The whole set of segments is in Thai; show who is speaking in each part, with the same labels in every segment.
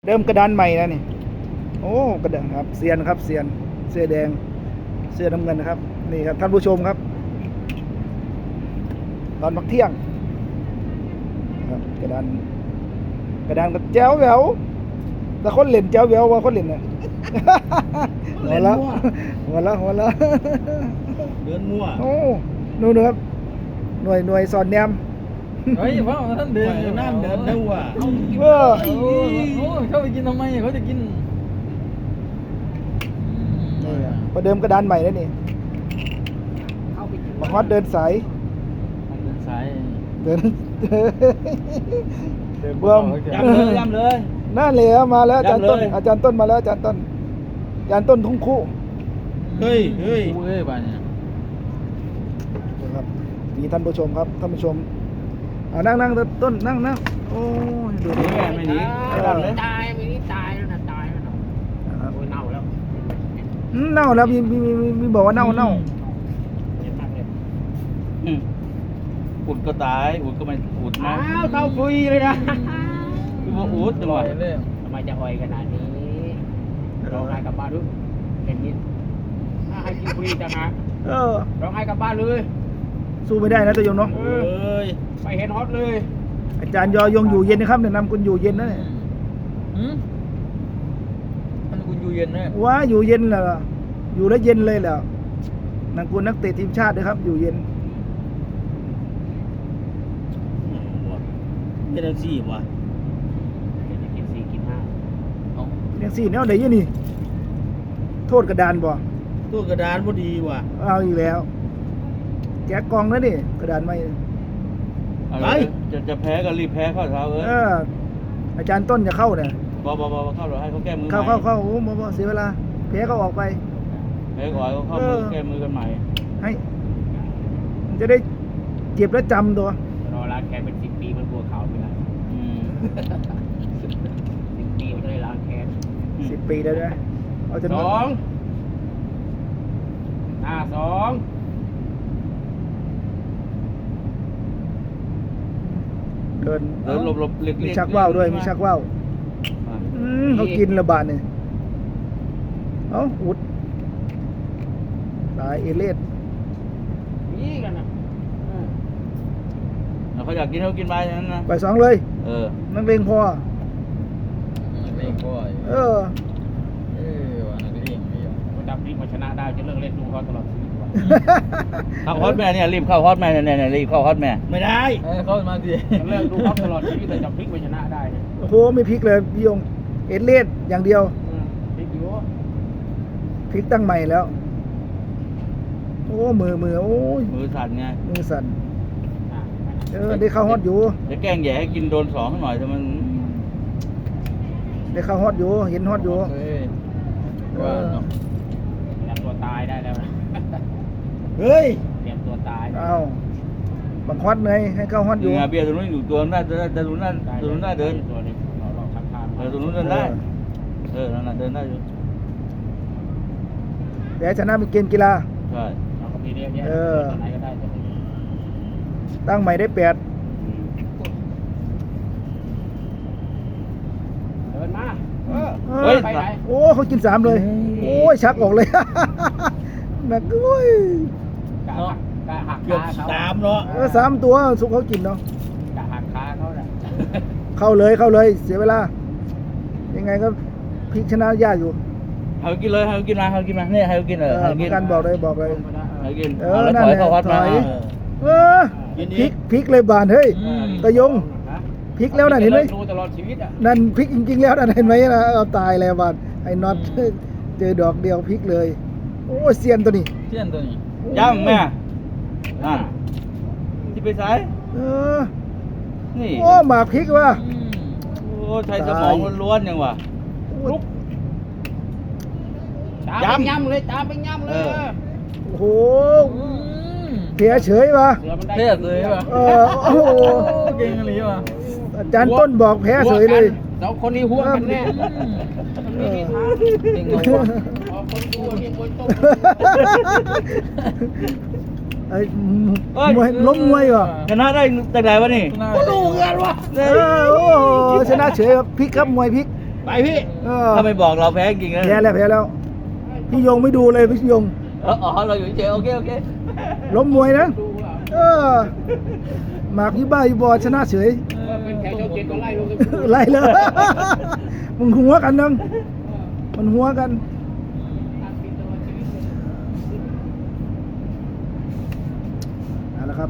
Speaker 1: เดิมกระดานใหม่นะนี่โอ้กระดานครับเซียนครับเซียนเสื้อแดงเสื้อน้ำเงินนะครับนี่ครับท่านผู้ชมครับตอนพักเที่ยงครับกระดานก็แจ๋วแหววแต่คนเล่นแจ๋วแหววว่าคนเล่นน่ะหัวละ
Speaker 2: เดินมั่ว
Speaker 1: โอ้นู่นครับหน่วยสอนแนม
Speaker 3: เฮ้ยพ่อท่านเดิน
Speaker 2: นั่นเดินเร็วอ่ะ
Speaker 1: เออ
Speaker 3: โอ้เขาไปกินทำไมเขาจะกิน
Speaker 1: นี่ครับประเดิมกระดานใหม่แล้วนี่มาฮอดเดินสาย
Speaker 3: เดินสาย
Speaker 1: เดิน
Speaker 3: เบื้อง
Speaker 2: ย้ำเลย
Speaker 1: นั่นเลยครับมาแล้วอาจารย์ต้น
Speaker 2: ย้ำเลย
Speaker 1: อาจารย์ต้นมาแล้วอาจารย์ต้นทุ่งคู่
Speaker 2: เฮ้ย
Speaker 3: เอ้ยบ้านเนี่ย
Speaker 1: นะครับมีท่านผู้ชมครับท่านผู้ชมนั่งต้นนั่งโอ้ยดูดิ
Speaker 2: แม่ไม่หนี
Speaker 1: ตายไม่ได้ตายแล้วนะตายแล้วนะครับโอ้ยเน่าแล้วมีบอกว่าเน่า
Speaker 2: อุดก็ตายอุดก็ไม่อุดนะ
Speaker 4: เข้าคุยเลยนะ
Speaker 2: คือว่าอุดจังหวะ
Speaker 3: เลย
Speaker 4: ทำไมจะอ่อยขนาดนี้ร้องไห้กลับบ้านด้วยเป็นนิดถ้าให้กินฟรีจังนะ
Speaker 1: เออ
Speaker 4: ร้องไห้กลับบ้านเลย
Speaker 1: สู้ไม่ได้นะตัวโยมเนาะ
Speaker 2: เอ้ย
Speaker 4: ไปเห็นฮอตเลย
Speaker 1: อาจารย์ยอยงอยู่เย็นนะครับเนี่ยนำคุณอยู่เย็นนะเนี่ย
Speaker 3: ท่านคุณอยู่เย็นนะ
Speaker 1: ว้าอยู่เย็นเหรออยู่แล้วเย็นเลยเหรอนักกุลนักเตะทีมชาติด้วยครับอยู่เย็น
Speaker 2: เป็นอะไรสิวะ
Speaker 4: จะกิน4กิน5
Speaker 1: ยังสี่แนวไหนยี่นี่ โทษกระดานบ่
Speaker 2: ตัวกระดานพอดีว่ะ
Speaker 1: เอาอีกแล้ว แจกกองแล้วนี่กระดานไม่
Speaker 2: อะไรจะแพ้ก็รีบแพ้ข้อเท้าเอ้ย
Speaker 1: อาจารย์ต้นจะเข้าเนี่ย
Speaker 2: บเข้าเราให้เขาแก้มือ
Speaker 1: เข้าโอ้โหเสียเวลาแพ้ก็ออกไป
Speaker 2: แพ้ก่อนเขาเข้ามือแก้มือกันใหม่
Speaker 1: ให้มันจะได้เจ็บแล้วจำตัว
Speaker 4: รอล้างแค้นเป็น10 ปีมันกลัวเขาไม่ได้10 ปีมันจะได้ล้างแค้น
Speaker 1: 10 ปีได้ไหมเอาจน
Speaker 4: 2 5 2
Speaker 1: เดิน
Speaker 2: เดินหลบเล็ก
Speaker 1: มีชักว่าวด้วยมีชักว่าวเขากินระบาดเนี่ยเอ้าอุดตายเอเลส
Speaker 4: นี่กันนะ
Speaker 2: เขาอยากกินเขากินไปอย่างนั้นนะ
Speaker 1: ไปสองเลย นักเลงพอ
Speaker 3: เล่นก็ ว่านักเล่นไม่ยอม
Speaker 4: มันดับนี้มาชนะได้จะเลิกเล่นดูเขาตลอดชีวิตว่ะ
Speaker 2: เข้าฮอตแม่เนี่ยรีบเข้าฮอตแม่เนี่ยรีบเข้าฮอตแม่ไม่ได้
Speaker 3: เข้ามาสิ
Speaker 4: จะเลิกดูเขาตลอดชีวิตแต่จะพลิกมาชนะได้เนี่ย
Speaker 1: โอ้โหไม่พลิกเลยพี่ยงเอเลสอย่างเดียว
Speaker 4: พลิกอยู่
Speaker 1: พลิกตั้งใหม่แล้ว โอ้มือโอ้ย
Speaker 2: มือสั่นไง
Speaker 1: มือสั่นได้เข้าฮอตอยู่
Speaker 2: จะแกล้งแย่ให้กินโดน2หน่อยแต่มัน
Speaker 1: ได้เข้าฮอตอยู่เห็นฮอตอยู่
Speaker 3: ว่าเนาะ
Speaker 4: เตรียมตัวตายได้แล้วนะ
Speaker 2: เฮ้ย
Speaker 4: เตรียมตัวตาย
Speaker 1: เอาบังฮอตเลยให้เข้าฮอตอยู่
Speaker 2: เบียร์ตัวนู้นอยู่ตัวนั้นตัวนู้นได้เดิน
Speaker 4: ตัวนี้เราทักทาย
Speaker 2: ตัวนู้นเดินได้นั่นเดินได้อยู่
Speaker 1: แต่ชนะเป็นเกมกีฬา
Speaker 2: ใช่
Speaker 4: เราก็มีเรียกเยอะตัวไหนก็ได้ตัวนี้
Speaker 1: ตั้งใหม่ได้8
Speaker 4: เดินมาไปไหน
Speaker 1: โอ้เขากิน3เลย โอ้ยชักออกเลย หนักด้วย
Speaker 4: กะหัก
Speaker 2: เกือบ
Speaker 4: ขาเขา
Speaker 2: 3เนาะ
Speaker 1: 3 ตัวสุกเขากินเนาะ
Speaker 4: กะหักขาเขาเนี่ย
Speaker 1: เข้าเลยเสียเวลา ยังไงก็พลิกชนะยากอยู่
Speaker 2: ให้กินเลยให้กินมาเนี่ยให้กินให้กิน
Speaker 1: กันบอกเลย
Speaker 2: ให้กิน
Speaker 1: นั่
Speaker 2: แล้วถอยเข้าฮอตมา
Speaker 1: พลิกเลยบานเฮ้ยตะยงพลิกแล้วนั่นเห็นไหม
Speaker 4: ดูตลอดชีวิตอ่ะ
Speaker 1: นั่นพลิกจริงๆแล้วนั่นเห็นไหมนะเอาตายแล้วบานไอ้น็อตเจอดอกเดียวพลิกเลย โอ้เซียนตัวนี้
Speaker 3: เที่ยนตัวนี้
Speaker 2: ย่ำแม่ที่ไปซ้าย นี่
Speaker 1: โอ้หมาพลิกว่ะ
Speaker 2: โอ้ใช้สมองล้วนยังวะ
Speaker 4: ลุกตามไปย่ำเลย
Speaker 1: โอ้โหเสียเฉยว่ะ
Speaker 4: เสือมันได้
Speaker 3: เท่เลยว่ะ
Speaker 1: โอ้โห
Speaker 3: เก่งอะไรว่ะ
Speaker 1: อาจารย์ต้นบอกแพ้เฉยเลย
Speaker 4: สองคนนี้หัวกันแน่มันมีที่ทาง
Speaker 3: เก่งเลยว่ะ
Speaker 4: คนดูมีคนต้ม
Speaker 1: ไอ้มวยล้มมวยว่ะ
Speaker 2: ชนะได้จากไหนวะนี่
Speaker 3: ก็ดูกันวะ
Speaker 1: โอ้ชนะเฉยครับพลิกครับมวยพลิก
Speaker 2: ไปพี่
Speaker 1: เออ
Speaker 2: ถ้าไม่บอกเราแพ้จริงนะ
Speaker 1: แพ้แล้ว พี่ยงไม่ดูเลยพี่ยง
Speaker 2: อ๋อเราอยู่เฉยโอเค
Speaker 1: ล้มมวยนะ
Speaker 4: ดูว่า
Speaker 1: เออหมากยี่บ้ายี่บอชนะเฉย
Speaker 4: เป็นแขกเจ้าเจ็ดก็ไล่ลง
Speaker 1: ไล่เลย มึงหัวกันนึงมันหัวกันเอาละครับ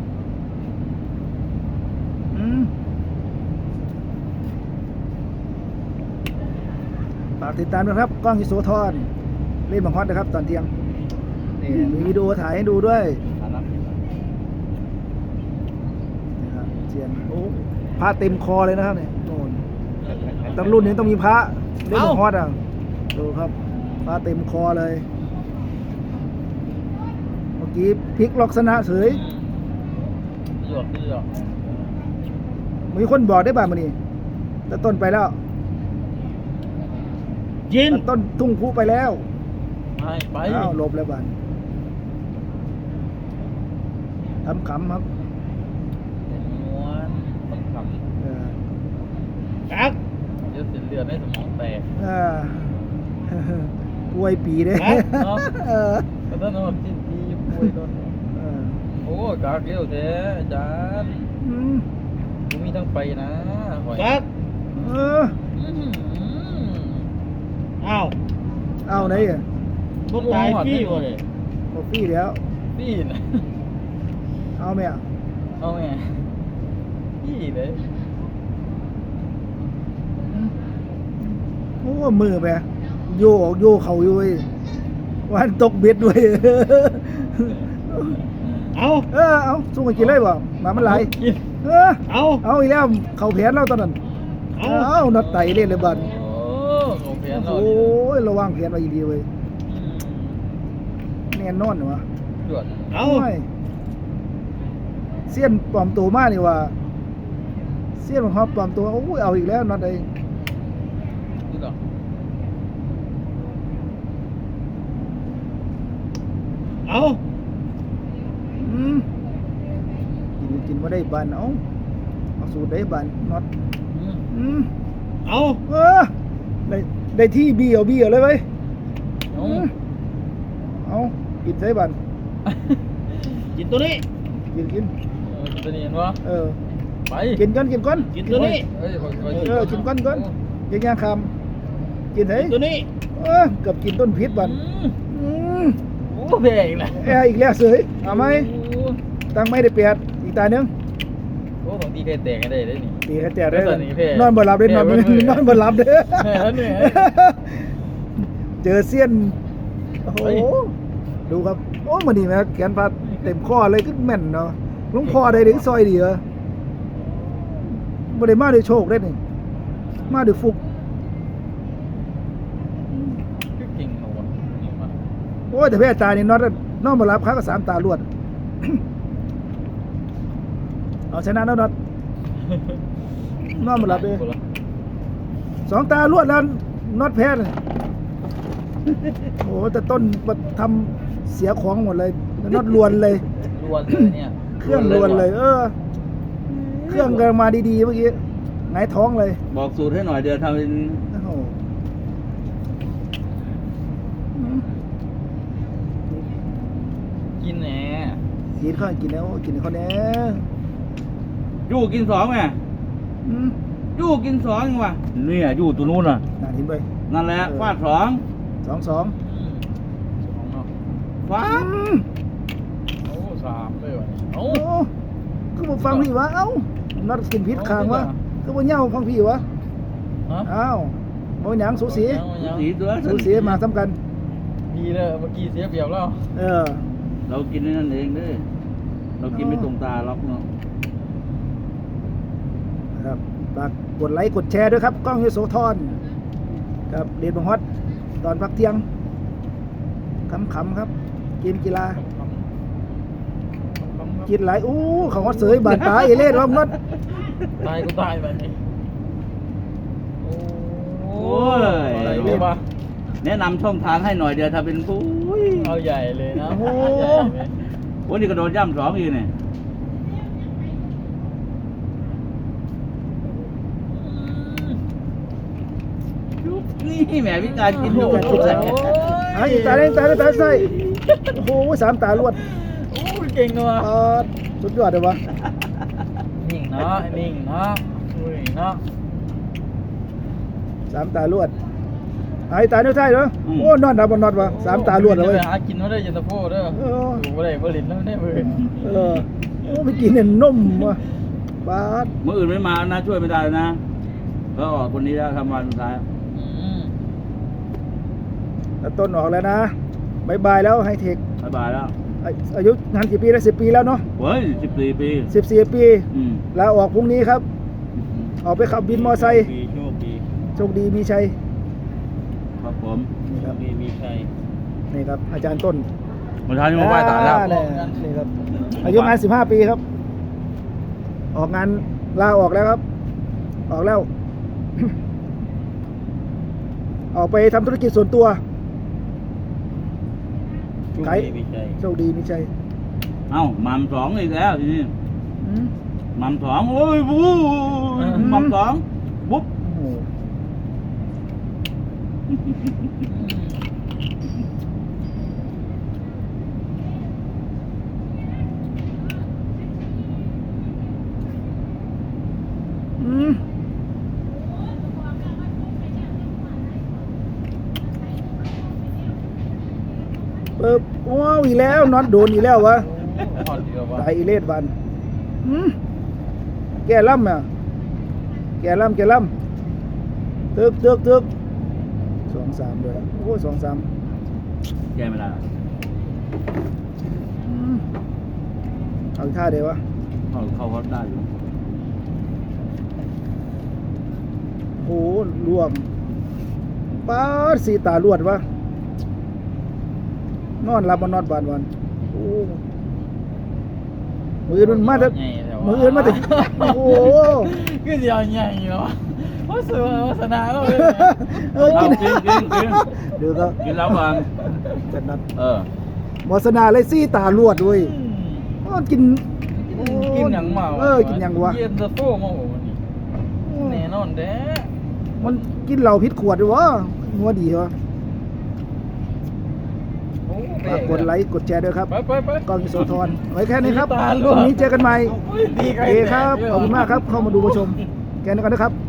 Speaker 1: ฝากติดตามนะครับกล้องอิโสธรเล่นบังฮอตนะครับ ตอนเที่ยงนี่มีวิดีโอถ่ายให้ดูด้วยนะครับเชียนโอ้พระเต็มคอเลยนะครับเนี่ยโน่นตั้งรุ่นนี้ต้องมีพระเล่นบังฮอตอ่ะดูครับพระเต็มคอเลยเมื่อกี้พลิกล็อกชนะเฉย
Speaker 3: หยอก
Speaker 1: มีคนบอกได้บ้างมันนี่แต่ต้นไปแล้ว
Speaker 2: ยิน
Speaker 1: แต่ต้นทุ่งพุไปแล้ว
Speaker 3: ไป
Speaker 1: อ้าวหลบแล้วบ้านทำขำครับ
Speaker 3: ม้วนต้องท
Speaker 1: เออ
Speaker 2: กัก
Speaker 3: ำเยอะเสียเลือดในสมองแตก
Speaker 1: อ่า ป่วยปีเด้
Speaker 3: เนาะ
Speaker 1: เออ
Speaker 3: ก็ต้องนอนจิ้มปีป่วยตอน
Speaker 1: เออ
Speaker 3: โอ้กากเลี้ยวแท้อาจารย์
Speaker 1: อืม
Speaker 3: กูมีทั้งไปนะหอย
Speaker 2: กัก
Speaker 1: เออ
Speaker 2: อ้าว
Speaker 1: เอาไหนอ่ะ
Speaker 2: คนตายพี่วะเลย
Speaker 1: บอกพี่แล้ว
Speaker 3: พี่นะ
Speaker 1: เอาไหมอ่ะ
Speaker 3: เอาไงพี่เลย
Speaker 1: โอ้มือไปโยกโยเขาอยู่เว้ยวันตกเบ็ดด้วย
Speaker 2: เอา
Speaker 1: เอาสู้กันกินเลยบ่หมามันไหล
Speaker 3: กิน
Speaker 2: เอา
Speaker 1: เอาอีกแล้วเขาแผนเราตอนนั้น
Speaker 2: เอา
Speaker 1: นัดไตเล่นเลยบัด
Speaker 3: โอ้โหเพี้ยน
Speaker 1: โอ้
Speaker 3: เรา
Speaker 1: ยระวังแผนไว้ดีๆเว้ยแน่นอนเหรอวะ
Speaker 3: จวด
Speaker 2: เอา
Speaker 1: โยเสี้ยนปลอมตัวมากนี่ว่าเสี้ยนของเขาปลอมตัวโอ้ยเอาอีกแล้วนัดไอ้
Speaker 3: ดูดอก
Speaker 2: เอา
Speaker 1: อืมกินมาได้บานเอาสูตรได้บานน็อตอืม
Speaker 2: เอา
Speaker 1: ได้ที่เบี้ยวเลยเว้ย
Speaker 3: เอา
Speaker 1: เอากินใส่บาน
Speaker 2: กินตัวนี้
Speaker 1: กิน
Speaker 3: จะเนียนวะ
Speaker 1: เออ
Speaker 3: ไป
Speaker 1: กินก่อน
Speaker 2: กินตัวนี้
Speaker 3: เฮ้ย
Speaker 1: กินก่อนยังยังคำกินไหน
Speaker 2: กินตัวนี้
Speaker 1: เกือบกินต้นพิษบัน
Speaker 3: โอ้เพลงนะ
Speaker 1: อีกแล้วเสยเอาไหมตั้งไม่ได้เปียดอีกตาหนึง
Speaker 3: โอ้ของตีเพลแตกกันได้เลยนี่
Speaker 1: ตีให้แจกได้
Speaker 3: แล้วตอนนี้เพ่
Speaker 1: นอนบ่หลับได้นอน
Speaker 3: เพ่เพ่
Speaker 1: นอนบ่หลับเด้อ
Speaker 3: แม่เหนื่อย
Speaker 1: เจอเสี้ยนโอ้โห
Speaker 3: เฮ้ย
Speaker 1: ดูครับโอ้มันนี่แม่แขนพัดเต็มข้อเลยขึ้นแม่นเนาะหลุงพ่อได้ถึงซอยดีเหรอบ่ได้มาด้วยโชคได้นี่มาด้วยฟุก
Speaker 3: เก่งหัวนี่มา
Speaker 1: โอ้ยแต่แพ้ตานี่นอนบ่หลับค้าก็สามตารวด เอาชนะแล้วน็อตนอนบ่หลับเลยสองตารวดแล้วน็อตแพ้เลยโอ้แต่ต้นทำเสียของหมดเลยน็อตลวนเลย
Speaker 3: รวนเลยเนี่ย
Speaker 1: เครื่องลวนเลย เครื่องกำลังมาดีๆเมื่อกี้หงายท้องเลย
Speaker 2: บอกสูตรให้หน่อยเดี๋ยวทำเป็น
Speaker 1: โอ้โห
Speaker 3: กินแหน่
Speaker 1: กินข้าวกินแล้วกินข้าวแน่
Speaker 2: ยู่กินสองไง
Speaker 1: อืม
Speaker 2: ยู่กินสองว่ะเนี่ยยู่ตัวนู้นน่ะ
Speaker 1: น่าเห็นไป
Speaker 2: นั่นแหละฟาดสอง
Speaker 1: 2-2
Speaker 3: สองเนาะ
Speaker 2: ฟาด
Speaker 3: โอ้สามเลยวะ
Speaker 1: โอ้
Speaker 3: โอ้
Speaker 1: คือบ่ฟังพี่วะเอ้านัดกินพิษคางวะคือบ่เหย้าฟังพี่วะ
Speaker 3: ฮะ
Speaker 1: อ้าวบ่หยังสูสี
Speaker 2: สีตัว
Speaker 1: สูสีมาซ้ำกัน
Speaker 3: ดีเลยเมื่อกี้เสียเปรียบแล้ว
Speaker 2: เรากินในนั่นเองเด้อเรากินไม่ตรงตาล็อกเนาะ
Speaker 1: ครับฝากกดไลค์กดแชร์ด้วยครับกล้องยโสธรครับเดนบังฮอตตอนพักเที่ยงขำๆครับเกมกีฬากินหลายอู้ของฮอตเสยบานตาเอเล่ร้อมนัด
Speaker 3: ตายกูตายแบบนี้โอ้
Speaker 2: โอ้ย
Speaker 3: อะไรเรียกว่า
Speaker 2: แนะนำช่องทางให้หน่อยเดี๋ยวถ้าเป็นผู้
Speaker 3: เอาใหญ่เลยนะ
Speaker 1: โอ้
Speaker 3: ใหญ่เลย
Speaker 2: โอ้นี่กระโดดย่ำสองอีกเนี่ย
Speaker 3: โ
Speaker 2: นี่แหมพิการกินอยู่
Speaker 1: พิการกินใส่ ไอ้ตาเล่นตาเล่นตาใส่โอ้โหสามตาลวด
Speaker 3: โอ้ยเก่งเนาะ
Speaker 1: สุดยอดเลยวะ
Speaker 3: นิ่งเนาะนิ่งเนาะอุ้ยเนาะ
Speaker 1: สามตาลวดไอ้ตาเนื้อไทยเหรอโอ้นอนดับบนนอนวะสามตาลวดเลย
Speaker 3: ไปหากินมาได้ยันตะโพเด้อ
Speaker 1: เออ
Speaker 3: อยู่บ่ได้บ่ลิ้นแล้วได้เบิ่น
Speaker 1: โอ้ไปกินเนี่ยนมวะบาด
Speaker 2: เมื่ออื่นไม่มานะช่วยไม่ได้นะก็ออกคนนี้แล้วทำวันสุดท้าย
Speaker 3: อืม
Speaker 1: แต่ต้นออกแล้วนะบายบายแล้วไฮเทค
Speaker 2: บายบายแล้ว
Speaker 1: อายุงานกี่ปีแล้ว10 ปีแล้วเนาะ
Speaker 2: เฮ้ย14 ปี
Speaker 1: 14 ปี
Speaker 2: อืม
Speaker 1: ลาออกพรุ่งนี้ครับ ออกไปขับบินมอไซค์
Speaker 3: ดีโชคดี
Speaker 1: โชคดีมีชัย
Speaker 2: ครับผม
Speaker 1: นี่ครับ
Speaker 3: ดีมีชัย
Speaker 1: นี่ครับอาจารย์ต้น
Speaker 2: วันท้ายนี้มาไหว้ศาลแล้ว
Speaker 1: นี่ครับอายุงาน15 ปีครับ ออกงานลาออกแล้วครับ ออกแล้ว ออกไปทำธุรกิจส่วนตัว
Speaker 3: โชค
Speaker 1: ไกด์
Speaker 3: ดีมีชัย
Speaker 1: โชคดีมีชัย
Speaker 2: เอ้าหมัมสองอีกแล้วทีนี้
Speaker 1: อืม
Speaker 2: หมัมสองโอ้ยบู๊หมัมสองบุ๊บ
Speaker 1: โอ้โหอืมว้าวอีกแล้วน็อตโดนอีกแล้ววะ
Speaker 3: พอดีแล้ววะ
Speaker 1: ตายอีเลดวันแกล่ำอ่ะแกล่ำตึก2-3ด้วยโอ้2-3
Speaker 2: แก้ไม่ได้
Speaker 1: เอาอีกท่าเดียววะ
Speaker 2: เข้าวัดได้อยู่
Speaker 1: โหรวมป้าดสีตาลวดวะนอนรับบนนอนบานวันโอ้มืออื่นมันมาแต่
Speaker 3: ใหญ่แต่ว่า
Speaker 1: มืออื่นมาแต่โอ้โห
Speaker 3: คือสิเอาใหญ่เนาะโอ้สวยโฆษณาก็เลย
Speaker 1: เออกิน
Speaker 2: กิน
Speaker 1: เดี๋ยวก็
Speaker 2: กินแล้วก่อน
Speaker 1: จัดนัด
Speaker 2: เออ
Speaker 1: หมอสนาเลยสีตาลวดเว้ยอ้าวกิน
Speaker 3: กินหยังเมา
Speaker 1: กินหยังวะ
Speaker 3: เย็นตะโฟมาโหวันนี้แน่นอนเด้
Speaker 1: มันกินเหล้าพิษขวดด้วยวะงัวดีวะ
Speaker 3: โอ้
Speaker 1: ฝากกดไลค์กดแชร์ด้วยครับ
Speaker 3: ไป
Speaker 1: กองอิโสธรไว้แค่นี้ครับ
Speaker 3: ตาล
Speaker 1: พ
Speaker 3: วด
Speaker 1: รุ่งนี้เจอกันใหม่
Speaker 3: โอ้ยดี
Speaker 1: โอเคครับ ขอบคุณมากครับ เข้ามาดูมาชม แค่นี้ก่อนนะครับ